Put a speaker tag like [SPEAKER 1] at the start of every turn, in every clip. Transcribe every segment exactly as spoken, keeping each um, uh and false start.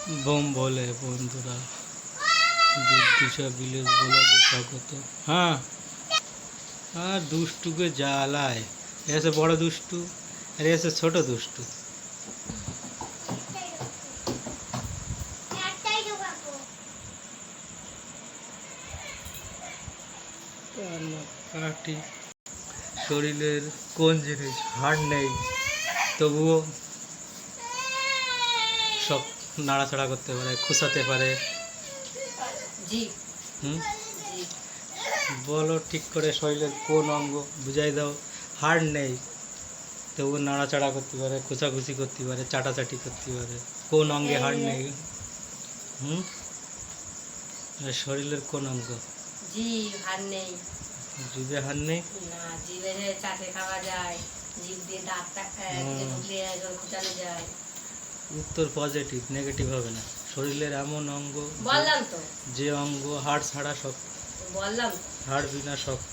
[SPEAKER 1] Bomb বলে বন্ধুরা, দুর্দিশা village ব্লগে স্বাগত। হ্যাঁ, আর দুষ্টুকে জ্বালায়, এসে বড় দুষ্টু আর এসে ছোট দুষ্টু। কাটি শরীরের কোন জিনিস হাড় নেই, তবুও সব নাড়াচাড়া করতে পারে, খুসাতে পারে। হুম, বলো ঠিক করে শরীরের কোন অঙ্গ বুঝাই দাও। হাড় নেই তবুও নাড়াচাড়া করতে পারে, খোঁচাখুচি করতে পারে, চাটাচাটি করতে পারে। কোন অঙ্গে হাড় নেই? হুম, শরীরের কোন অঙ্গ?
[SPEAKER 2] জিভ, হাড় নেই।
[SPEAKER 1] জিভে হাড় নেই?
[SPEAKER 2] না, জিভে চাটে খাওয়া যায়, জিভ দিয়ে দাঁতটা ঢুকলে খোঁচানো যায়।
[SPEAKER 1] উত্তর পজিটিভ, নেগেটিভ হবে না। শরীরের এমন অঙ্গ,
[SPEAKER 2] বললাম তো,
[SPEAKER 1] যে অঙ্গ হাড় ছাড়া শক্ত,
[SPEAKER 2] বললাম
[SPEAKER 1] হাড় বিনা শক্ত,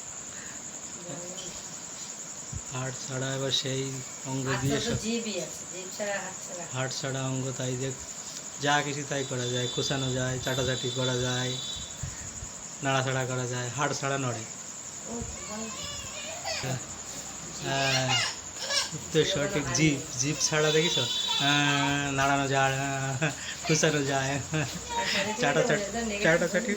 [SPEAKER 1] হাড় ছাড়া এবার সেই অঙ্গ দিয়ে
[SPEAKER 2] জিভই আছে, জিভ ছাড়া হাড় ছাড়া।
[SPEAKER 1] হাড় ছাড়া অঙ্গ, তাই যে যা কিছু তাই করা যায়, কোষানো যায়, চাটাচাটি করা যায়, নাড়াচাড়া করা যায়। হাড় ছাড়া নড়ে। হ্যাঁ, উত্তর সঠিক। জিভ, জিভ ছাড়া দেখিস নাড়ানো যায়, খুঁচানো যায়, চাটাচাটি চাটাচাটি।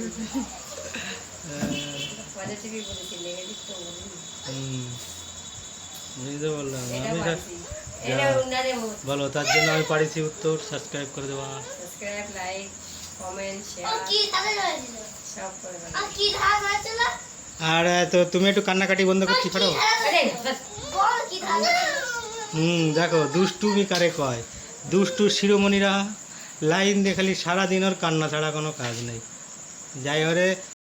[SPEAKER 1] হুম, বুঝতে বললাম আমি। বলো, তার জন্য আমি পারিছি উত্তর। সাবস্ক্রাইব করে দেওয়া,
[SPEAKER 2] সাবস্ক্রাইব, লাইক, কমেন্ট, শেয়ার সব করে দাও।
[SPEAKER 1] আর তো তুমি একটু কান্নাকাটি বন্ধ করতে পারো? হুম, দেখো দুষ্টুমি কারে কয়। দুষ্টুর শিরোমণিরা লাইন দিয়ে খালি সারাদিন ওর কান্না ছাড়া কোনো কাজ নেই। যাই ওরে